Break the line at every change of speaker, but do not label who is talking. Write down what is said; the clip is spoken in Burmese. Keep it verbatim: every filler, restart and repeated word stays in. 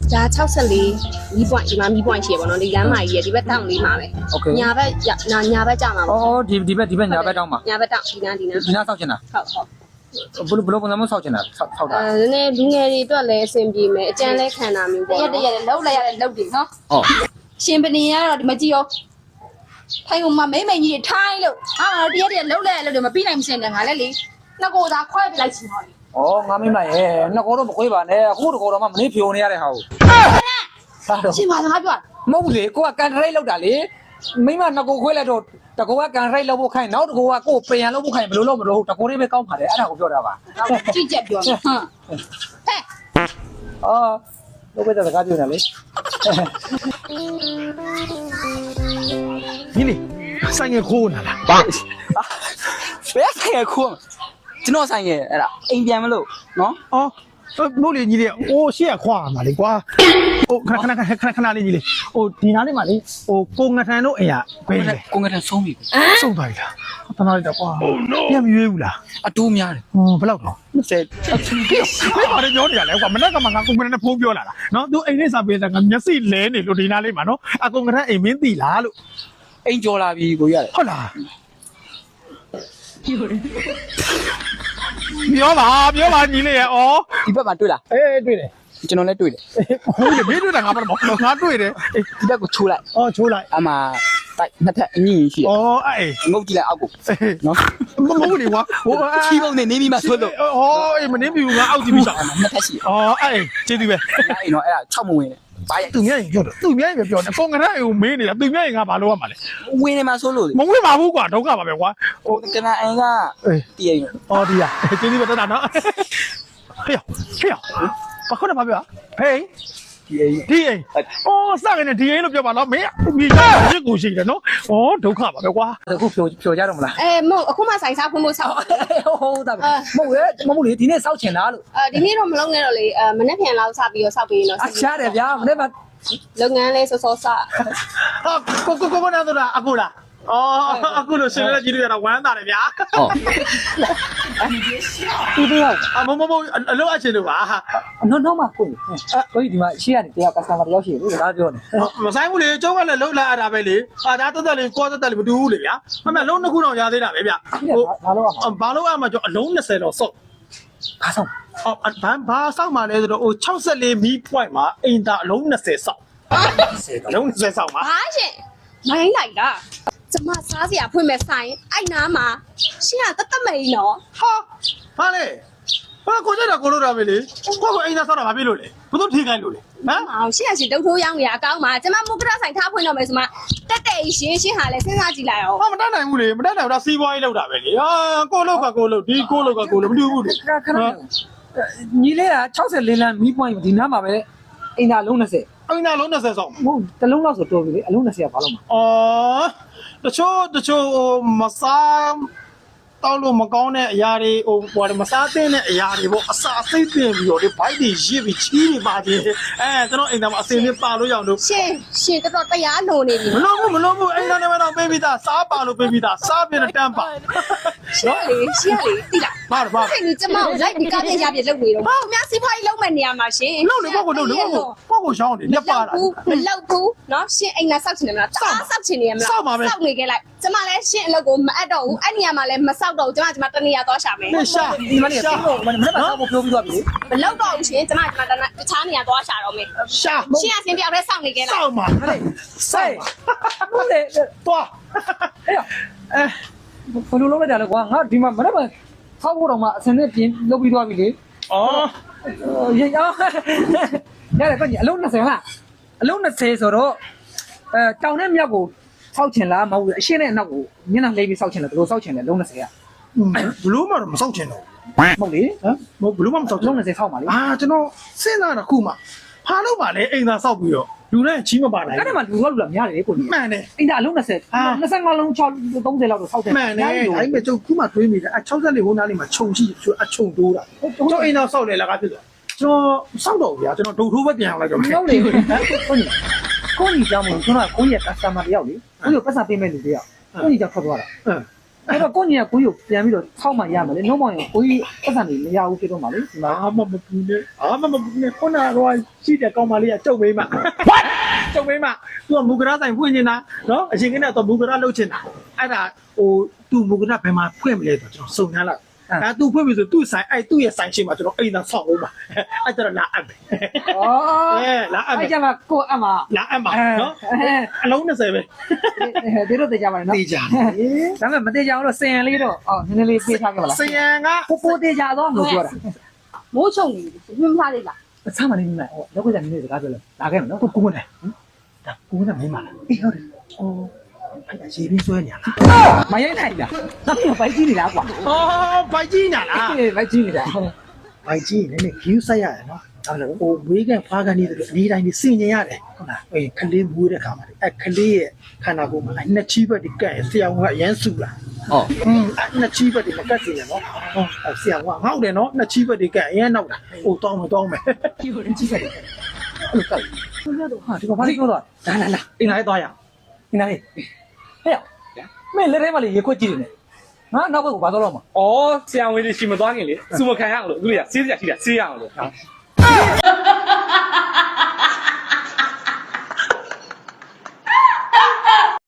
ဒါ၆၄မီးပွိုင်းဒီမှာမီးပွိုင်းရှိရပါတော့ဒီလမ်းမကြီးရဒီဘက်တောင်လေးမှာပဲညာဘက်ညာညာဘက်ကြောက်မှာပေါ့
အော်ဒီဒီဘက်ဒီဘက်ညာဘက်တောင်းမှာ
ညာဘက်တောင်ဒီနားဒီနား
ဒီနားဆောက်ချင်တာ
ဟုတ်ဟုတ်
ဘယ်လိုဘယ်လိုပုံစံမျိုးဆောက်ချင်တာဆောက်တာ
အဲနည်းလူငယ်တွေအတွက်လည်းအဆင်ပြေမယ်အကျန်းလဲခံတာမျိုးပေါ့
ရက်တရက်လှုပ်လိုက်ရတဲ့လှုပ်တွေနော်ဟုတ်ရှင်ပနေကတော့ဒီမကြည့်ရောထိုင်ကမမိမ့်မိန်ကြီးထိုင်းလို့ဟာတရက်တရက်လှုပ်လိုက်ရလို့မပြီးနိုင်မစင်တယ်ငါလည်းလေနှစ်ကိုသာခွဲပြလိုက်ချင်ပါလေ
ဩငါမိမ့်လိုက်ရဲ့နှစ်ကိုတော့မခွေးပါနဲ့အခုတကောတော့မှမင်းဖြိုနေရတဲ့ဟာကို
ရှင်ပါစကားပြော
မဟုတ်ဘူးလေကိုကကန်ထရိတ်လောက်တာလေမိမနှစ်ကိုခွေးလိုက်တော့တကောကကန်ထရိတ်လောက်ဖို့ခိုင်းနောက်တကောကကိုပင်ရန်လောက်ဖို့ခိုင်းဘယ်လိုလုပ်မလို့တကောလေးပဲကောင်းပါတယ်အဲ့ဒါကိုပြောတာပါ
ကြည့်ချက်ပြောဟမ်ဟဲ့
အော်ဘယ်ပဲစကားပြောနေလဲ
ညီလေးဆိုင်ငယ်ခိုးနာလား
ဘယ်ဆိုင်ငယ်ခိုးကျွန်တော်ဆိုင်ငယ်အဲ့ဒါအိမ်ပြန်မလို့နော်
အော်မဟုတ်လေညီလေးအိုးရှေ့ကခွာမှာလေကွာဟိုခဏခဏခဏခဏလေးညီလေးဟိုဒီနားလေးမှာလေဟိုကိုငထန်တို့အိမ်ကဘယ်လဲ
ကိုငထန်ဆုံးပြီ
ဆုံးသွားပြီလားတနားလိုက်တော့ကွာပြန်မရွေးဘူးလား
အတိုးများတယ်
ဟိုဘယ်လောက်တော့
ဆယ်
ဘယ်ပါလဲပြောနေရလဲကွာမနေ့ကမှငါကိုငထန်နဲ့ဖုန်းပြောလာတာနော်သူအိမ်လေးစာပေးတာငါမျက်စိလဲနေလို့ဒီနားလေးမှာနော်အကိုငထန်အိမ်မင်းသိလားလို့
အိမ်ကြော်လာပြီကိုရတယ်
ဟုတ်လားပြောပါပြောပါညီလေးရဲ့ဩ
ဒီဘက်မှာတွေ့လား
အေးတွေ့တယ်
ကျွန်တော်လည်းတွေ့တယ်
ဟုတ်တယ်မင်းတွေ့တာငါဘာလို့ငါတွေ့တယ်
ဒီဘက်ကိုချိုးလိုက်
ဩချိုးလိုက်
အမှတိုက်နှစ်ထပ်အညင်ရှိတယ်
ဩအေး
ငုတ်ကြည့်လိုက်အောက်ကိုနော်
မဟုတ်လေကွာဟို
ချီးပုံနဲ့နေပြီးမှဆွတ်လို့
ဩအေးမနေပြီငါအောက်ကြည့်ပြီးတော့
နှစ်ထပ်ရှိတယ်
ဩအေးကျေးဇူးပဲ
အဲ့နော်အဲ့ဒါ၆မဝင်တယ်
ဘာရသူများရင်ပြောတယ်သူများရင်ပဲပြောတယ်ပုံကရအိမ်ကိုမေးနေတာသူများရင်ငါဘာလုပ်ရမှာလဲ
ဝင်နေမှာဆိုလို့
မဝင်ပါဘူးကွာဒုက္ခပါပဲကွာ
ဟိုကနအိမ်ကတည်ရင်
အော်ဒီရကျေးဇူးပဲတတ်တာနော်ဟေးဟေးဘာခေါ်နေပါဗျာဟေး
ဒီအိမ်
ဒီအိမ်အော်စကားနဲ့ဒီအိမ်လို့ပြောပါတော့မင်းမြေသားရစ်ကိုရှိတယ်နော်ဩဒုက္ခပါပဲကွာ
အခုဖြိုဖြိုကြတော့မလား
အဲမဟုတ်အခုမှဆိုင်စားဖွင့်ဖို့ဆောက်
ဟုတ်ဟုတ်တာမဟုတ်ရဲ့မဟုတ်လေဒီနေ့စောက်ချင်လားလို့
အဲဒီနေ့တော့မလုပ်နဲ့တော့လေအဲမနေ့ပြန်လောက်စပြီးတော့စောက်ပြီးတော့
အရှားတယ်ဗျာမနေ့က
လုပ်ငန်းလေးစောစောစ
ဟာကိုကိုကိုမနာတော့အခုလားอ๋อအခုလို့ရှင်လည်းကြည့်လို့ရတာဝမ်းသာတယ်ဗျာ
ဟုတ်
ဒီတော့အမမမအလုပ်အချင်းလို့ပါ
နော်နော်မကိုကိုဒီမှာရှေ့ကနေတယောက် customer တယောက်ရှိတယ်လို့စကားပြောနေ
မဆိုင်ဘူးလေကျုံးကလည်းလှုပ်လာရတာပဲလေအာဒါတက်တက်လေးကောတက်တက်လေးမတူဘူးလေဗျာအမေလုံးနှစ်ခုတော့ရသေးတာပဲဗျာ
ဟိုဘာလို့
ဘာလို့အမှကျွန်တော်အလုံး၂၀တော့စော့
ဘာဆောင်
အော်ဘာဘာစောက်မှလဲဆိုတော့ဟို၆၄မီး point မှာအိမ်သားအလုံး၂၀စောက်အလုံး၂၀စောက်ပါ
ဟာရှင်မိုင်းလိုက်လားကျမစားစရာဖွင့်မဲ့ဆိုင်အဲ့နားမှာရှင်ကတတ်တမိန်နော်
ဟာဘာလဲဘာကိုကြတာကိုလို့တာပဲလေကိုကိုအိမ်သားဆောက်တာဘာဖြစ်လို့လဲဘယ်သူထိခိုင်းလို့လဲဟမ်
အောင်ရှင်ကရှင်တုတ်ထိုးရောင်းနေရအကောင်းပါကျမမုတ်ကရဆိုင်ထားဖွင့်တော့မယ်ဆိုမှတက်တဲ့ရှင်ရှင်ဟာလည်းစဉ်းစားကြည့်လိုက်အောင်
ဟာမတတ်နိုင်ဘူးလေမတတ်နိုင်ဘူးဒါစီးပွားရေးလောက်တာပဲလေဟာကိုလို့ကကိုလို့ဒီကိုလို့ကကိုလို့မတူဘူးလေ
ခဏခဏညီလေးက၆၄လမ်းမီးပွိုင်းဒီနားမှာပဲအိမ်သားလုံး၂၀
အိမ်သားလုံး၂၀ဆောက်
မဟုတ်တလုံးလောက်ဆိုတော်ပြီလေအလုံး၂၀ကဘာလို့မှာ
အော်တချို့တချို့ဟိုမစားတောက်လို့မကောင်းတဲ့အရာတွေဟိုဟိုမစားသင့်တဲ့အရာတွေပေါ့အစာစိတ်တင်ပြီးတော့ဒီဘိုက်တွေရစ်ပြီးချီးနေပါသေးတယ်အဲကျွန်တော်အိမ်သားမှာအစင်းလေးပါလို့ရအောင်လို့
ရှင်ရှင်တော်တရားလိုနေပြီ
မလို့ဘူးမလို့ဘူးအိမ်သားနဲ့တော့ပေးပြီးသားစားပါလို့ပေးပြီးသားစားပြတဲ့တန်းပါ
ရှင်လေရှင်လေတိလား
ဘာဘာ
အဲ့ဒီကျမကိုလိုက်ပြီးကားပြရပြလုပ်နေတော့ဘာအများစီးပွားရေးလုပ်မဲ့နေရာမှာရှင်
လုပ်လေဘောကိုလုပ်လေဘောကိုဘောကိုရှောင်းနေလက်ပါတာ
မလောက်ဘူးနော်ရှင်အိမ်သားစောက်ချင်တယ်မလားတားစောက်ချင်နေရမလား
စောက်ပါပဲ
စောက်နေခဲ့လိုက်ကျမလည်းရှင်အလုပ်ကိုမအပ်တော့ဘူးအဲ့နေရာမှာလည်းမစောက်တော့ဘူးကျမကျမတနေရာသွားရှာမယ်
ရှာ
ဒီမနေ့ကမနေ့ကစောက်ဖို့ပြောပြီးသွားပြီ
မလောက်တော့ဘူးရှင်ကျမကျမတခြားနေရာသွားရှာတော့မယ်
ရှာ
ရှင်ကစင်တယောက်တည်းစောက်နေခဲ့လိုက်
စောက်ပါဟဲ့
ဆိုင်ဟုတ်တယ်
သွား
အေးအဲဘယ်လိုလုပ်လိုက်တာလဲကွာငါဒီမှာမနေ့ကဆောက်ဖို့တော့မှအစင်းနဲ့ပြင်လုပ်ပြီးသွားပြီလေ
အော်
ရေအော်ရတယ်ကွညီအလုံး၂၀လားအလုံး၂၀ဆိုတော့အဲတောင်နဲ့မြောက်ကိုဆောက်ချင်လားမဟုတ်ဘူးအရှင်းနဲ့အနောက်ကိုညနေလေးပြီးဆောက်ချင်တယ်ဘယ်လိုဆောက်ချင်လဲလုံး၂၀က
ဘလို့မှတော့မဆောက်ချင်တော့
မဟုတ်လေ
ဟမ်ဘလို့မှမဆောက်
လုံး၂၀ဆောက်ပါလေ
အာကျွန်တော်စဉ်းစားတာခုမှဖားလို့ပါလေအိမ်သာဆောက်ပြီးတော့လူနဲ့ချီးမပါနိုင်
အဲ့ဒါမှလူကလူလာများတယ်ကိုကြီး
မှန်တယ်
အိမ်သာအလုံး၂၀
အာ
၂၅လုံး၆ ၃၀လောက်တော့ဆောက်တယ်
မှန်တယ်ဒါပေမဲ့ကျုပ်ခုမှတွေးမိတယ်အ၆၄ဟိုနားလေးမှာခြုံရှိအခြုံတိုးတာကျုပ်အိမ်သာဆောက်လေလားကဖြစ်သွားကျွန်တော်စောက်တော့ဗျာကျွန်တော်ဒုတ်ထိုးပဲပြန်အောင်လိုက်တော့
ဟုတ်လေကိုကြီးကိုကြီးကြောင်းမလို့ကျွန်တော်ကကိုကြီးရဲ့ customer တယောက်လေကိုကြီးပတ်စံပေးမဲ့လူတယောက်ကိုကြီးကြောင့်ထွက်သွားတာအဲ့တော့ကိုညီကကိုကြီးကိုပြန်ပြီးတော့ဆောက်မှရမှာလေနှုံးမောင်ရင်ကိုကြီးပတ်စံနေမရဘူးဖြစ်တော့မှာလေဒီမှာ
အာမမပူနဲ့အာမမပူနဲ့ခုနကတော့ရှိတဲ့ကောင်းမလေးကကျုပ်မိမကျုပ်မိမသူကမူကရဆိုင်ဖွင့်နေတာနော်အရင်ကတော့မူကရလှုပ်ချင်တာအဲ့ဒါဟိုသူမူကရဘယ်မှာဖွင့်မလဲဆိုကျွန်တော်စုံနှမ်းလိုက်အဲသူဖွင့်ပြီဆိုသူ့ဆိုင်အဲ့သူ့ရဲ့ဆိုင်ရှိမှာကျွန်တော်အိမ်သာဆောက်အောင်ပါအဲ့ကျတော့လာအပ်မယ်ဩအဲလာအပ်မယ်
အဲ့ကြမှာကိုအမ
လာအပ်ပါနော်အလုံး၂၀ပဲ
ဒီတော့တေးကြပါလေနော်
တေးကြတယ်
ဒါပေမဲ့မတေးကြအောင်လို့စင်ရန်လေးတော့အော်နည်းနည်းလေးပေးထားခဲ့ပါလား
စရန်က
ပိုပိုတေးကြတော့လို့ပြောတာ
မိုးချုံနေပြီမထားသေးလား
အဆမ်းမနေမိမဟိုလောက်ကကြနေနေစကားပြောလဲလာခဲ့မယ်နော်ကိုကိုနဲ့ဒါကိုနဲ့မင်းမလားအေးဟုတ်တယ်အော်အဲ့ဒါရေးပြီးဆွဲနေရလားမရိုက်နိုင်လားဒါပြပိုက်ကြည့်နေလားကွာ
ဟောဘိုက်ကြီးညာလား
အေးပိုက်ကြည့်နေတာ
ဘိုက်ကြီးနည်းနည်း view ဆက်ရတယ်နော်ဟုတ်တယ်ဟိုဝေးကန်ဖားကန်နေတယ်အဒီတိုင်းနေစင်ញင်ရတယ်ဟုတ်လားအေးခလေးမွေးတဲ့ခါမှာအဲ့ခလေးရဲ့ခန္ဓာကိုယ်မှာနှစ်ချီးဘက်ဒီကဲဆရာကအရန်စုလာဟောอืมနှစ်ချီးဘက်ဒီမကတ်စီရနော်ဟောဆရာကငေါ့တယ်နော်နှစ်ချီးဘက်ဒီကအရန်နောက်တာဟိုတောင်းမတောင်းမယ်
ကြည့်လို့ကြည့်ခဲ့တယ်အဲ့လိုကောက်ဟာဒီကဘာလို့ပြောတော့လာလာလာအင်းလိုက်သွားရအင်းလိုက်ဟဲ့မင်းလက်ထဲမှာလေရေခွက်ကြည့်နေတယ်ငါနောက်ဘက်ကဘာသွားတော့မှာ
哦，这样我就心没多少个哩，怎么看样了？对呀，谁家谁家谁样了？